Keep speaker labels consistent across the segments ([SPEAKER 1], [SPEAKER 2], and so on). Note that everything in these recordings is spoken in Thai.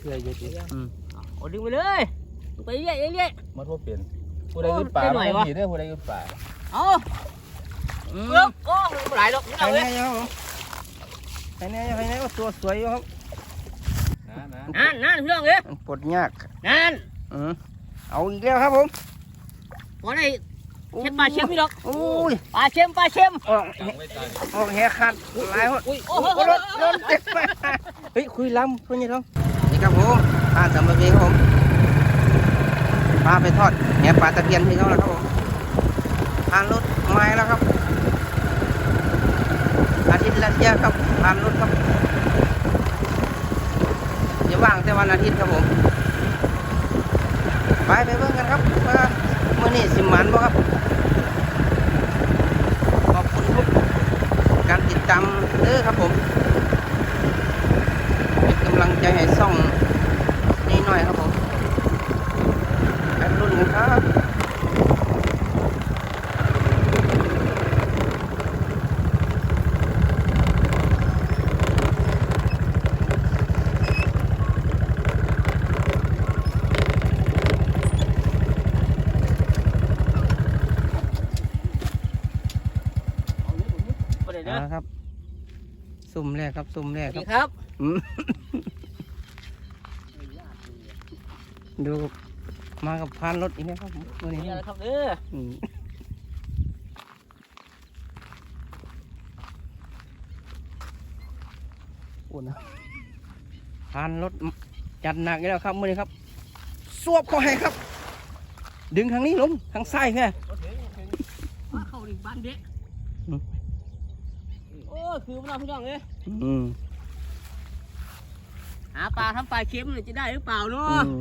[SPEAKER 1] เรื่อยๆ
[SPEAKER 2] เอาดึงไปเลยไปเรื่อยๆ
[SPEAKER 1] มันพวกเปลี่ยนผู้ใดยุดป่าไม่ดีเด้อผู้ใดยุดป่า
[SPEAKER 2] เอาเริ่มโอ้ไม่ไหลหรอกนี่
[SPEAKER 3] ใคร
[SPEAKER 2] เอาเลย
[SPEAKER 3] เนี่ยครับใครเนี่ยก็ตัวสวยอยู่ครับ
[SPEAKER 2] นั่นพี่น้องเลย
[SPEAKER 3] ปลดยาก
[SPEAKER 2] นั่น
[SPEAKER 3] เอาอีกแล้วครับผม
[SPEAKER 2] วันนี้เช็ดปลาเช็มพี่น้อง
[SPEAKER 3] โอ้ย
[SPEAKER 2] ปลาเช็ม
[SPEAKER 3] ออกแหกขาดหลายคนโอ้โหรถเจ็บไปเฮ้ยคุยล้ำคุยยังท้องนี่ครับผมปลาสามปีครับผมปลาไปทอดแหปลาตะเพียนที่เขาแล้วครับผมผ่านรถไม้แล้วครับอาทิตย์ละเที่ยครับผ่านรถครับอย่าว่างแต่วันอาทิตย์ครับผมไปเบิ่งกันครับว่าเมื่อนี้สิมันบ่ครับขอบคุณทุกการติดตามเด้อครับผมเป็นกำลังใจให้ซ่องนี่หน่อยครับผมไปรุ่นกันครับครับสุ่มแรกครับสุ่มแรกครับดูมากับพานรถอีกนะครับตัวนี้
[SPEAKER 2] ครับเด้อ
[SPEAKER 3] อุ่นนะพานรถจัดหนักอีกแล้วครับมือนี้ครับสวบเข้าให้ครับดึงทางนี้ลงทางซ้ายแค่
[SPEAKER 2] เข้าดิบ้านเด็กโอ้คือพี่น้องเลยหาปลาทำปลาเค็มจะได้หรือเปล่าเนาะ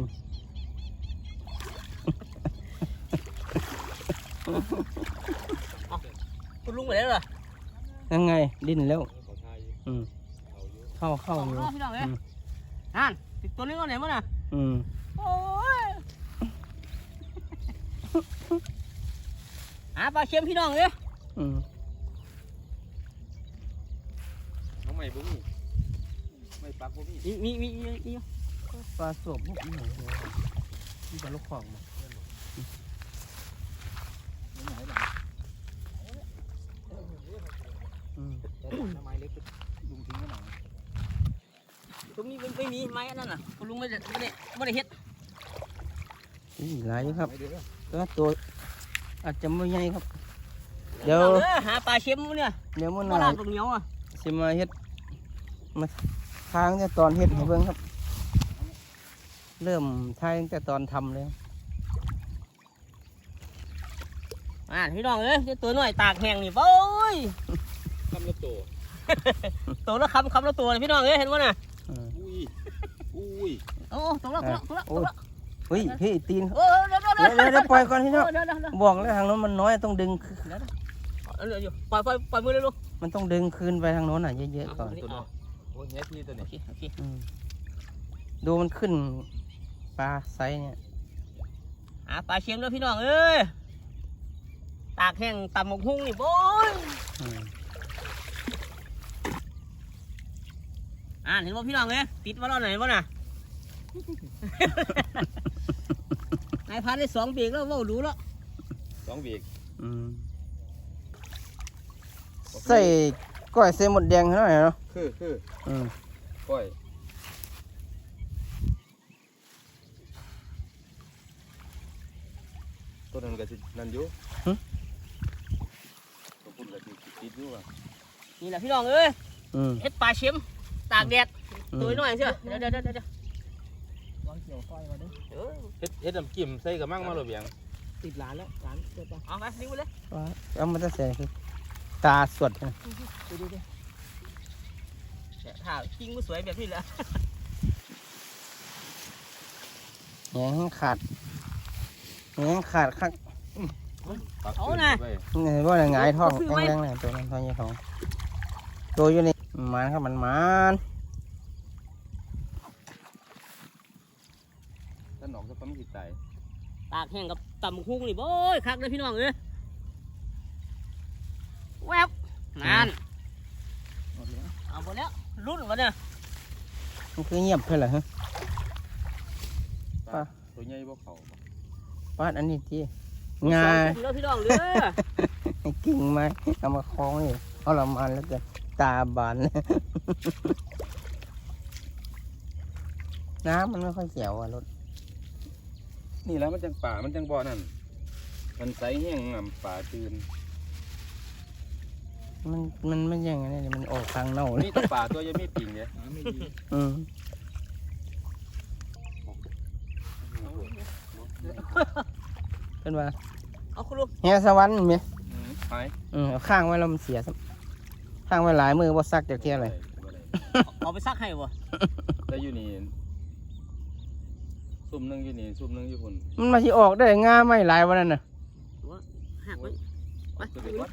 [SPEAKER 2] คุณลุงไปแล้วเหรอ
[SPEAKER 3] ยังไงดิ้นแล้วเข้าอยู่
[SPEAKER 2] พี่น้องเลยนั่นติดตัวนี้ก็ไหนมั้งน่ะโอ้ยหาปลาเค็มพี่น้องเลย
[SPEAKER 1] ไม่บุ้งไม่ปักบุ้ง
[SPEAKER 2] มี
[SPEAKER 3] ปลาสวบบุ้งนี่ที่ปลาลูกของมา
[SPEAKER 1] ไม้เล็กลุงทิ้งไว้หน่อย
[SPEAKER 2] ตรงนี้ไม่มีไม้นั่นน่ะคุณลุงไม่ได้เฮ็ด
[SPEAKER 3] หลายครับตัวอาจจะไม่ใหญ่ครับเดี๋ยว
[SPEAKER 2] หาปลาเค็มเนี่ย
[SPEAKER 3] เดี๋ยวมัน
[SPEAKER 2] ปลาตรงเหนียวอ่ะ
[SPEAKER 3] สิมาเฮ็ดมาทางแต่ตอนเฮ็ดให้เบิ่งครับเริ่มทายตั้งแต่ตอนทำเลย
[SPEAKER 2] พี่น้องเอ้ยตัวน้อยตากแห้งนี่โอ้ย
[SPEAKER 1] คำละตัว
[SPEAKER 2] ตัวละคำละตัวพี่น้องเอ้ยเห็นมั้ยน่ะ
[SPEAKER 1] อุ้ย
[SPEAKER 2] โอ้ตัวละ
[SPEAKER 3] เฮ้ยพี่ตีนเดี๋ยวปล่อยก่อนพี่น้องบอกแล้วทางโน้นมันน้อยต้องดึง
[SPEAKER 2] อยู่ปล่อยมือเลยลูก
[SPEAKER 3] มันต้องดึงคืนไปทางโน้นเยอะๆก่อน
[SPEAKER 1] โอ้ยเนี่ยที่ตัวนี้
[SPEAKER 3] ดูมันขึ้นปลาไซเนี่ย
[SPEAKER 2] ปลาเค็มด้วยพี่น้องเอ้ยตากแห้งตำหมกหุ้งนี่โบ้ยเห็นว่าพี่น้องเอ้ยติดมาแล้วไหนวะน่ะนายพันได้2 ปีแล้วว่าดูแล้ว
[SPEAKER 1] 2 ปี
[SPEAKER 3] ใส่ก้อยเส้นหมดแดงเท่าไหร่เนาะ
[SPEAKER 1] คือก้อยตัวนั้นก็นั่นอยู่ตัวพุ่นก็ติดอยู่อ่ะ
[SPEAKER 2] นี่แหละพี่น้องเอ้ยเฮ็ดปลาเค็มตากแดดตัวน้อยเชียวเดี๋ยววางเกี่ยวก้อยมาดิ
[SPEAKER 1] เฮ็ดน้ำจิ้มใส่กระมังมาหรือยัง
[SPEAKER 2] ติดหลานแล้วหลานเกิดปะเอาไปดิ้งไปเลย
[SPEAKER 3] เอามันจะใส่ตาสดนะ
[SPEAKER 2] ดูถ่ายจริงก็สวยแบบนี้แหละ
[SPEAKER 3] แหงขาดครับ
[SPEAKER 2] เอาหน่ะ
[SPEAKER 3] นี่ว่าหงายท้องแรงๆเลยตัวนั้นท้องยี่ท้องตัวอยู่นี่มันครับมัน
[SPEAKER 1] ถ้าหนองจะต้องติดใจ
[SPEAKER 2] ตากแห้งกับตำหุ้งนี่โบ้ยคักเลยพี่น้องเอ้ยแวบนั่นเอาหมดแล้วรุ่นวะเนี่ย
[SPEAKER 3] มันคือเงียบเพื่ออะไรฮะปลา
[SPEAKER 1] ตัวใหญ่บ่เขาบ่
[SPEAKER 3] ปลาอันนี้ที่งา
[SPEAKER 2] แล้วพี่น้องเด้อ
[SPEAKER 3] กิ่งไม้เอามาคล้องนี่เอาละมันแล้วกันตาบานน้ำมันไม่ค่อยเขียวอ่ะรถ
[SPEAKER 1] นี่แล้วมันจังป่ามันจังบ่อนั่นมันใสแห้งงำป่าตื่น
[SPEAKER 3] มันไม่อย่างนั้นเลยมันออกทางเน่าเลย
[SPEAKER 1] นี่แต่ป่าตัวยังไม่ปิ่งเนี่ย
[SPEAKER 3] อืมเป็นว่า
[SPEAKER 2] เอาคุณลุง
[SPEAKER 3] แห่สวรรค์ไหม
[SPEAKER 1] หาย
[SPEAKER 3] เอาข้างไว้แล้วมันเสียซ้ำข้างไว้หลายมือบ่ซักจากเที่ยอะไร
[SPEAKER 2] เอาไปซักให้บ่
[SPEAKER 1] แต่อยู่นี่ซุ่มหนึงอยู่นี่ซุ่มหนึงอยู่พุ่น
[SPEAKER 3] มันมาที่ออกได้งาไม่หลายวันนั้นน่ะ
[SPEAKER 2] หักไว้ไป
[SPEAKER 1] ตัวเด็กวัด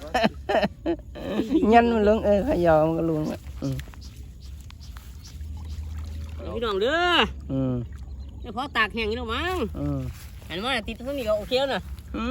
[SPEAKER 3] ยันมันลงขยอมันก็ลุงอ่ะ
[SPEAKER 2] พี่น้องเด้อ
[SPEAKER 3] อืม
[SPEAKER 2] เดี๋ยวพอตากแห้งนี่แล้วมั้ง
[SPEAKER 3] อืม
[SPEAKER 2] อันว่าติดตรงนี้ก็โอเคแล้วนะ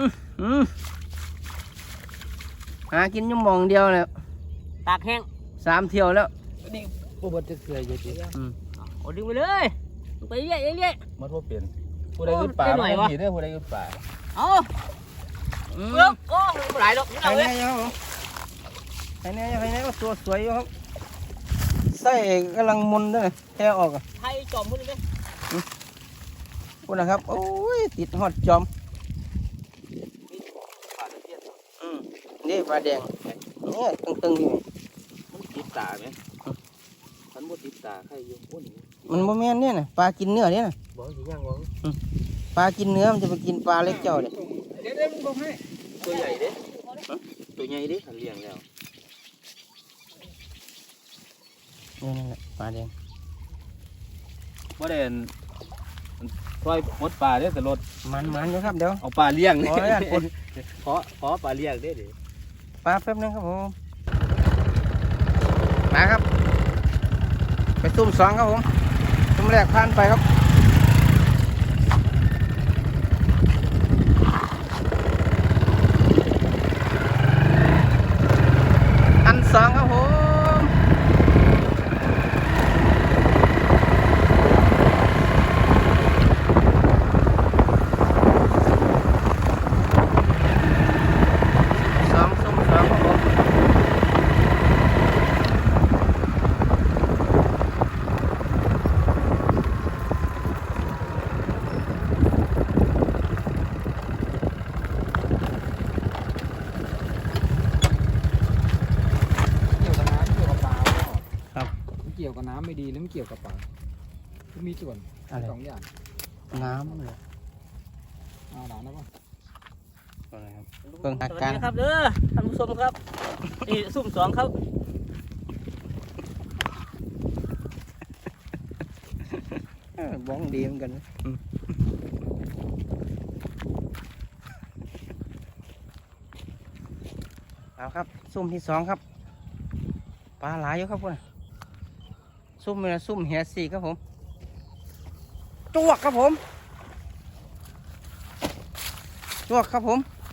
[SPEAKER 3] หากินอยุ่หมองเดียวแล้ว
[SPEAKER 2] ตากแห้ง
[SPEAKER 3] 3 เที่ยวแล้ว
[SPEAKER 2] นี่
[SPEAKER 3] ผู้บดจะเคยอยู่ดี
[SPEAKER 2] เอาดึงไปเลยไปเรื่อยเรื่อย
[SPEAKER 1] มันว่าเปลี่ยนผู้ใดขึ้นป่า
[SPEAKER 2] ได้หน่อยวะ
[SPEAKER 1] ผีได้อผู้ใดขึ้นป่า
[SPEAKER 2] เอาเลิกโอ้ไม่ไหลหรอกพี่
[SPEAKER 3] ใคร
[SPEAKER 2] น้องเอ้
[SPEAKER 3] แน่
[SPEAKER 2] ย
[SPEAKER 3] ยังครับใครแน่ก็ตัวสวยอยู่ครับไส้กำลังมุนด้วยแค่ออกอ่ะ
[SPEAKER 2] ไทยจอมพุ่นเลย
[SPEAKER 3] พูดนะครับโอ้ยติดฮอดจอมนี่ปลาแดงเนี่ยตึงๆอยู่
[SPEAKER 1] มันติดตาไหมมันบ่ติดตาใครอยู่โอ้นี่
[SPEAKER 3] มันโมเมนเนี่ยนะปลากินเนื้อเนี่ยนะ
[SPEAKER 1] บอกสิย่างบอก
[SPEAKER 3] ปลากินเนื้อมันจะไปกินปลาเล็กเจ้าเนี่ย
[SPEAKER 1] เดี๋ยวมึงบอกให้ตัวใหญ่เด้ตัวใหญ่เด้หันเลี้ยงแล้ว
[SPEAKER 3] นี่นั่นแหละปลาแดง
[SPEAKER 1] บ่ได้ซอยหมดป่าเด้อแต่รถ
[SPEAKER 3] มันอยู่ครับเดี๋ยว
[SPEAKER 1] เอาปลาเลี้ยง
[SPEAKER 3] ขออนุญาตคน
[SPEAKER 1] ขอปลาเลี้ยงเด้อ
[SPEAKER 3] ปลาแป๊บนึงครับผมมาครับไปซุ่มสองครับผมซุ่มแรกผ่านไปครับอันสองครับผมสองซุ่มสองครับผม
[SPEAKER 4] เกี่ยวกับน้ำเกี่ยวกับปลา
[SPEAKER 3] ครับ
[SPEAKER 4] มันเกี่ยวกับน้ำไม่ดีหรือมันเกี่ยวกับปลามันมีส่วน
[SPEAKER 3] อะไร
[SPEAKER 4] สองอย่าง
[SPEAKER 3] น้ำเลย
[SPEAKER 4] เอาหลานนะป่ะ
[SPEAKER 3] อะไรครับเบิ่ง
[SPEAKER 2] ส
[SPEAKER 3] อา
[SPEAKER 2] วัส
[SPEAKER 3] การ
[SPEAKER 2] ดีครับเด้อท่านผู้ชมครับนี่ซุ่มสองครับ
[SPEAKER 3] บ้องดีเหมือนกันนะเอาครับซุ่มที่สองครับปลาหลายอยู่ครับพวกน่ะซุ่มนี่นะซุ่มแหสี่ครับผมจวกครับผมจวกครับผม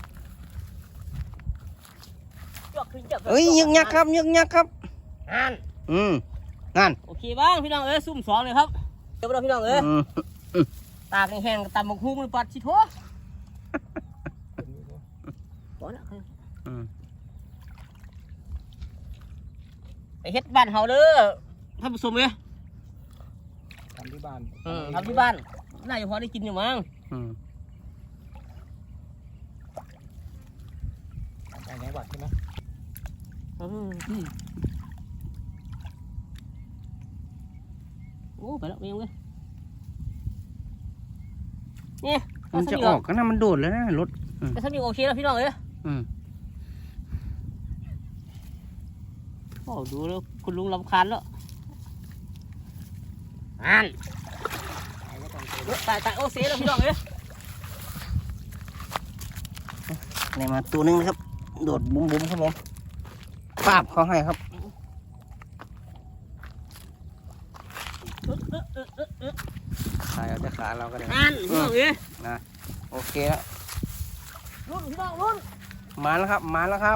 [SPEAKER 3] เอ้ยยึกยักครับยึกยักครับ
[SPEAKER 2] นั่น
[SPEAKER 3] นั่น
[SPEAKER 2] โอเคบ้างพี่น้องเอ้ยซุ่มสองเลยครับเดี๋ยวเราพี่น้องเอ้ยตากแห้งๆตำบักหุ่งมันปัดชิโถบ่นะไปเฮ็ดบ้านเฮาเด้อท่านผู้ชมเอ้ย
[SPEAKER 4] ทำที่บ้าน
[SPEAKER 2] ทำที่บ้านน่าจะพอได้กินอยู่มั้ง
[SPEAKER 4] ไปจังหวัดใช่ไหม
[SPEAKER 2] โอ้ไปแล้วไปยังเลยนี่
[SPEAKER 3] มันจะออกก็น่ามันโดดแล้วนะรถ
[SPEAKER 2] แต่ถ้ามีโอเคแล้วพี่น้องเอ้ยโอ้ดูแล้วคุณลุงรำคาญแล้วอันตายโอเซ่แล้วพี่น้องเอ้ย
[SPEAKER 3] นี่มาตัวนึงนะครับโดดบุ้มครับผมปาบเขาให้ครับขายเอาแต่ขาเราก็ได้
[SPEAKER 2] อันพี่น้องเอ้ย
[SPEAKER 3] โอเคแล้ว
[SPEAKER 2] รุ่นพี่น้องรุ่น
[SPEAKER 3] มาแล้วครับมาแล้วครับ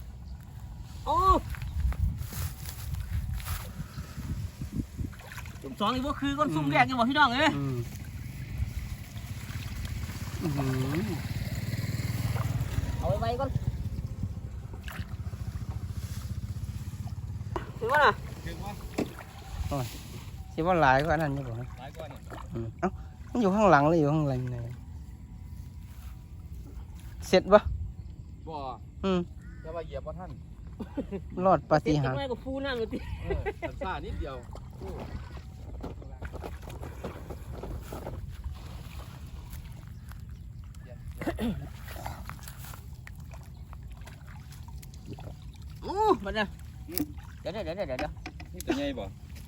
[SPEAKER 2] โอ้
[SPEAKER 3] บ
[SPEAKER 2] สองอีกว่าคือก้นซุ่มแรกยังบอกพี่น้องเอ้ย เอาไว้ก่อนถือว่าน่ะ
[SPEAKER 1] ถึงว่า
[SPEAKER 3] คิดว่าหลายกว่านั้นอยู่บ่
[SPEAKER 1] หลายกว่านี่
[SPEAKER 3] เอ้ามันอยู่ข้างหลังเลยอยู่ข้างหลังเลยเสร็จปะ
[SPEAKER 1] บ่ จะว่าเหยียบบ่ท่าน
[SPEAKER 3] รอดปา
[SPEAKER 2] เต็ม
[SPEAKER 3] ฏิหาริย์
[SPEAKER 2] ไม่กับฟูนั่นเลยที
[SPEAKER 1] สันซ่านิดเดียว
[SPEAKER 2] โอ้มันน่ะเดี๋ยว
[SPEAKER 1] นี่ตัวใหญ่บ่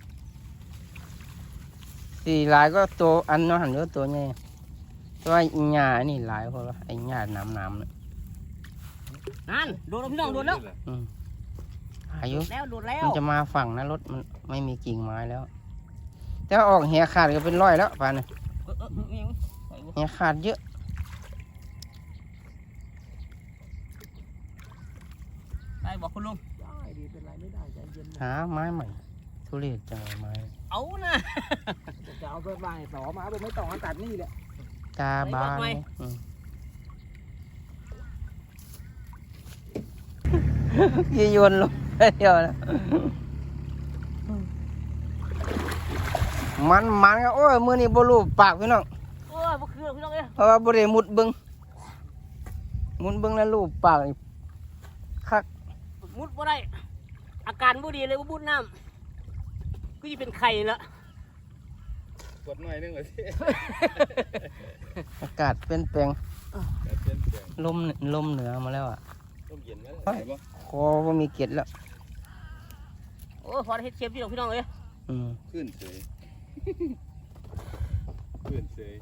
[SPEAKER 3] สี่หลายก็ตัวอันเนาะหันเยอะตัวใหญ่ตัวอีหญ้านี่หลายเพราะว่าไอ้หญ้าน้ำเนี่ย
[SPEAKER 2] นั่นโดนแล้วพี่น้องโดนแล้ว
[SPEAKER 3] อายุ
[SPEAKER 2] แล้วโดนแล้ว
[SPEAKER 3] มันจะมาฝั่งนะรถมันไม่มีกิ่งไม้แล้ว แต่ออกแหขาดก็เป็นร้อยแล้วป่านนี้แหขาดเยอะ
[SPEAKER 2] ได้บอกคุณลุง
[SPEAKER 4] ได้ดีเป็นไรไม่ได้ใจเย็น
[SPEAKER 3] หาไม้ใหม่ทุเรศจังเลยไม้
[SPEAKER 2] เอานะ
[SPEAKER 4] จะเอาเพื่อนบ้านต่อมาผมไม่ต่อตัดนี่แหละ
[SPEAKER 3] ตาบาน
[SPEAKER 2] ไว้
[SPEAKER 3] ยี่โยนลงเดียวนะมันก็โอ้ยมือนี่บรูปากพี่น้อง
[SPEAKER 2] โอ้ยบ่คือพี่น้องเอ้ย
[SPEAKER 3] เพราะว่าบริมุดเบึงมุดเบึงแล้วรูปปากนี่คัก
[SPEAKER 2] มุดบ่ได้อาการบ่ดีเลยบ่มุดน้ำก็จะเป็นไข่ละ
[SPEAKER 1] กดหน่อยนึงเลยสิ
[SPEAKER 3] อากาศเปลี่ยนแปลง
[SPEAKER 1] แบบเปลี่ยนแปลง
[SPEAKER 3] ลมเหนือมาแล้วอ่ะ
[SPEAKER 1] ต้มเย็นไหมได้บ่
[SPEAKER 3] คอว่ามีเกล็ดแล้ว
[SPEAKER 2] โอ้ยพอได้เฮ็ดเชฟพี่น้องเอ้ย
[SPEAKER 1] ขึ้นเฉยขึ้นเฉย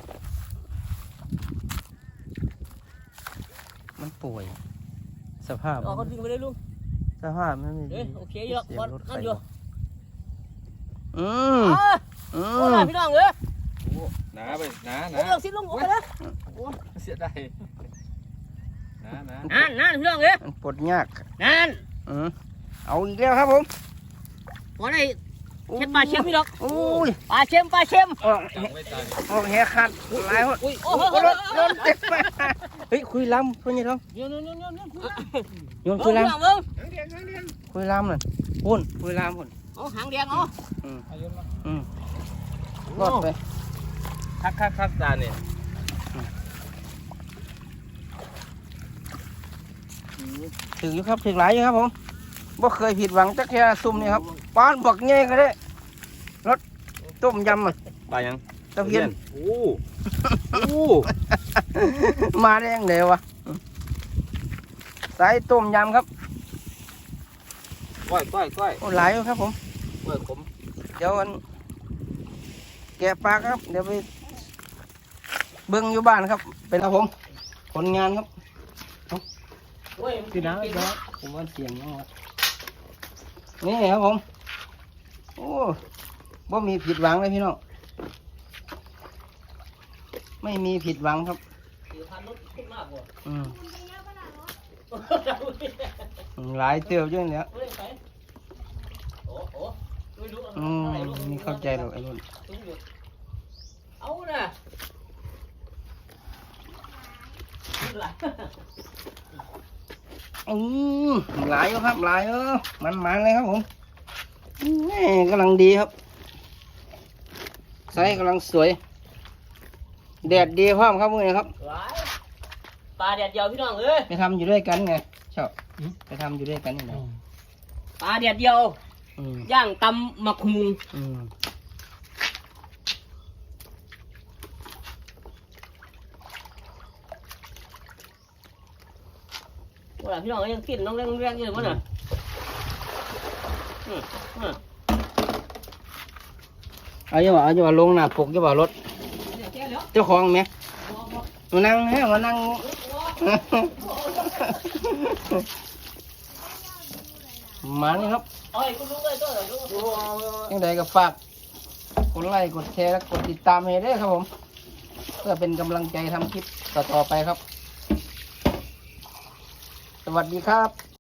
[SPEAKER 3] มันป่วย สภาพ
[SPEAKER 2] เอาเขาดึงไปเลยลุง
[SPEAKER 3] สภาพมันไม่
[SPEAKER 2] เอ้
[SPEAKER 3] ดี
[SPEAKER 2] ยโอเคอยู่แล้วพอนั่นอยู่
[SPEAKER 3] อืม
[SPEAKER 2] โอ้ยพี่น้องเอ้ย
[SPEAKER 1] โอ้หนาไปหนา
[SPEAKER 2] โอ้ยสิลุงโอ้ยนะ
[SPEAKER 1] เสียดายหนา
[SPEAKER 2] นั่นพี่น้องเอ้ย
[SPEAKER 3] มันปวดยาก
[SPEAKER 2] นั่น
[SPEAKER 3] เอาอีกแล้วครับผม
[SPEAKER 2] พอได้เช็ดปลาเชมพี่น้อง
[SPEAKER 3] อุ้ย
[SPEAKER 2] ปลาเชม
[SPEAKER 3] ออก
[SPEAKER 1] จังไว้ตาดิ
[SPEAKER 3] ออกแหขาดหลายคน
[SPEAKER 2] อุ้ยโอ้
[SPEAKER 3] โอ้
[SPEAKER 2] โห
[SPEAKER 3] โหโดนเจ็บไปเฮ้ยคุยล้ำคุยยังไงท้อง
[SPEAKER 2] โยน
[SPEAKER 3] โยนคุยล้
[SPEAKER 2] เบิ้ง
[SPEAKER 3] ำคุยล้ำน่ะพุ่นคุยล้ำพุ่น
[SPEAKER 2] เอาหางแดงเอา
[SPEAKER 4] อายุมา
[SPEAKER 3] รอดไป
[SPEAKER 1] คักตาเนี่ย
[SPEAKER 3] ถึงอยู่ครับถึงหลายอยู่ครับผมบ่เคยผิดหวังจักแค่ซุ่มนี่ครับป้านบักเงี้ยก็ได้รสต้มยำอ่ะ
[SPEAKER 1] ปลายัง
[SPEAKER 3] ตะเพียน
[SPEAKER 1] โอ้
[SPEAKER 3] มาได้ยังเดียววะสายต้มยำครับ
[SPEAKER 1] ก้อย
[SPEAKER 3] โอ้หลายอยู่ครับผม
[SPEAKER 1] ผม
[SPEAKER 3] เดี๋ยวอันแกะปลาครับเดี๋ยวไปเบิ้งอยู่บ้านครับเป็นครับผมผลงานครับ
[SPEAKER 2] พี่น้อง
[SPEAKER 3] ผมว่าเสียงนะครับนี่ครับผมโอ้บ่มีผิดหวังเลยพี่น้องไม่มีผิดหวังครับหลายเตียวเยอะเลยไม่เข้าใจหรอกไอ้นุ่น
[SPEAKER 2] เอาน่ะ
[SPEAKER 3] หลายอยู่ครับหลายมันเลยครับผมนี่กำลังดีครับไซส์กำลังสวยแดดดีพร้อมครับมือนี้ครับ
[SPEAKER 2] ปลาแดดเดียวพี่น้องเอ้ย
[SPEAKER 3] ไปทำอยู่ด้วยกันไงชอบไปทำอยู่ด้วยกันนี่นะ
[SPEAKER 2] ปลาแดดเดียวย่างตำหมักหุงว่าพี่น้องยังกินน้องแรงๆอยู่เลยวะน่ะ
[SPEAKER 3] เอาอย่าว่าลงหน้าปกอย่าว่ารถเจ้าของไหมมานั่งให้มานั่ง มานี่ครับ
[SPEAKER 2] เอ้ยคุณลุงเลยตัว
[SPEAKER 3] ยังไงก็ฝากกดไลค์กดแชร์และกดติดตามให้ด้วยครับผมเพื่อเป็นกำลังใจทำคลิปต่อๆไปครับ สวัสดีครับ